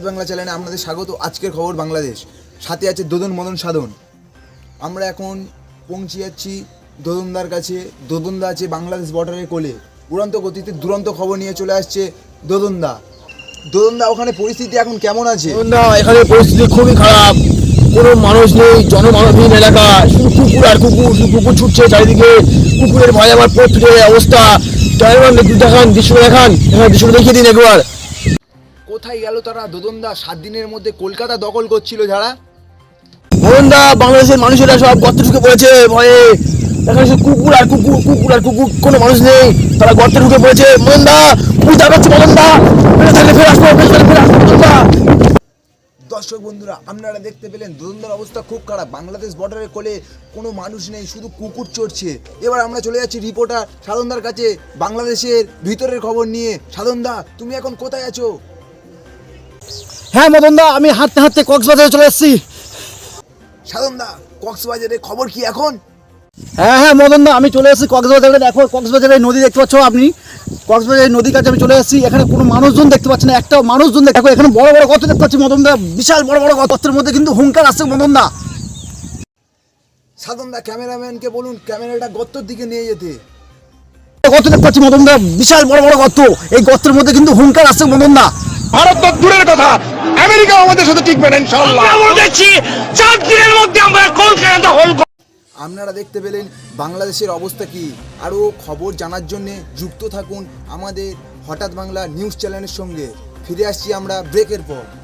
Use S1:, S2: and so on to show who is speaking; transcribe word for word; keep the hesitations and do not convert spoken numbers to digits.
S1: বাংলা চ্যানেলে আপনাদের স্বাগত। আজকের খবর বাংলাদেশ, সাথে আছে দোদন মদন সাধন। আমরা এখন পৌঁছে যাচ্ছি দোদনদার কাছে। দোদনদা আছে বাংলাদেশ বর্ডারের কোলে, উড়ন্ত গতিতে দুরন্ত খবর নিয়ে চলে আসছে দোদনদা। দোদনদা, ওখানে পরিস্থিতি এখন কেমন আছে?
S2: না, এখানে পরিস্থিতি খুবই খারাপ, কোনো মানুষ নেই, জনমানবহীন এলাকা, শুধু কুকুর আর কুকুর, শুধু কুকুর ছুটছে চারিদিকে, কুকুরের ভয় আমার পথ ফিরে অবস্থা। ড্রাইভার দেখান, দৃশ্য দেখান, এখানে দৃশ্যটা দেখিয়ে দিন একবার।
S1: কোথায় গেল তারা? দোদনদা, সাত দিনের মধ্যে কলকাতা দখল করছিল যারা।
S2: মোহনদা, বাংলাদেশের মানুষেরা সব গর্তে ঢুকে পড়েছে ভয়ে। এখানে শুধু কুকুর আর কুকুর, কুকুর আর কুকুর, কোনো মানুষ নেই, তারা গর্তে ঢুকে পড়েছে। মোহনদা, বুঝতে পারছি মোহনদা, ফেরে থাকলে ফেরে আসবো, ফেরে থাকলে ফেরে আসবো মোহনদা।
S1: দর্শক বন্ধুরা, আপনারা দেখতে পেলেন দোদনদার অবস্থা খুব খারাপ। বাংলাদেশ বর্ডারের কোলে কোনো মানুষ নেই, শুধু কুকুর চড়ছে। এবার আমরা চলে যাচ্ছি রিপোর্টার সাধনদার কাছে বাংলাদেশের ভিতরের খবর নিয়ে। সাধনদা, তুমি এখন কোথায় আছো?
S2: হ্যাঁ মদনদা, আমি হাঁটতে হাঁটতে কক্সবাজারে চলে এসেছি।
S1: সাধনদা, কক্সবাজারের খবর কি এখন?
S2: হ্যাঁ হ্যাঁ মদনদা, আমি চলে এসেছি কক্সবাজারে। দেখো, কক্সবাজারের নদী দেখতে পাচ্ছ আপনি, কক্সবাজারের নদীর কাছে আমি চলে এসেছি। এখানে কোনো মানুষজন দেখতে পাচ্ছি না, একটাও মানুষজন দেখো। এখানে বড় বড় গর্ত দেখতে পাচ্ছি মদনদা, বিশাল বড় বড় গর্তের মধ্যে কিন্তু হুঙ্কার আসছে মদনদা।
S1: সাধনদা, ক্যামেরাম্যানকে বলুন ক্যামেরাটা গর্তের দিকে নিয়ে যেতে।
S2: গর্ত দেখতে পাচ্ছি মদনদা, বিশাল বড় বড় গর্ত, এই গর্তের মধ্যে কিন্তু হুঙ্কার আসছে মদনদা।
S3: ভারত তো দূরের কথা, আমেরিকা আমাদের সাথে টিকবে না ইনশাআল্লাহ। আমরা দেখছি চার দিনের মধ্যে আমরা কলকাতা দখল।
S1: আপনারা দেখতে পেলেন বাংলাদেশের অবস্থা কি। আরও খবর জানার জন্যে যুক্ত থাকুন আমাদের হঠাৎ বাংলা নিউজ চ্যানেলের সঙ্গে। ফিরে আসছি আমরা ব্রেকের পর।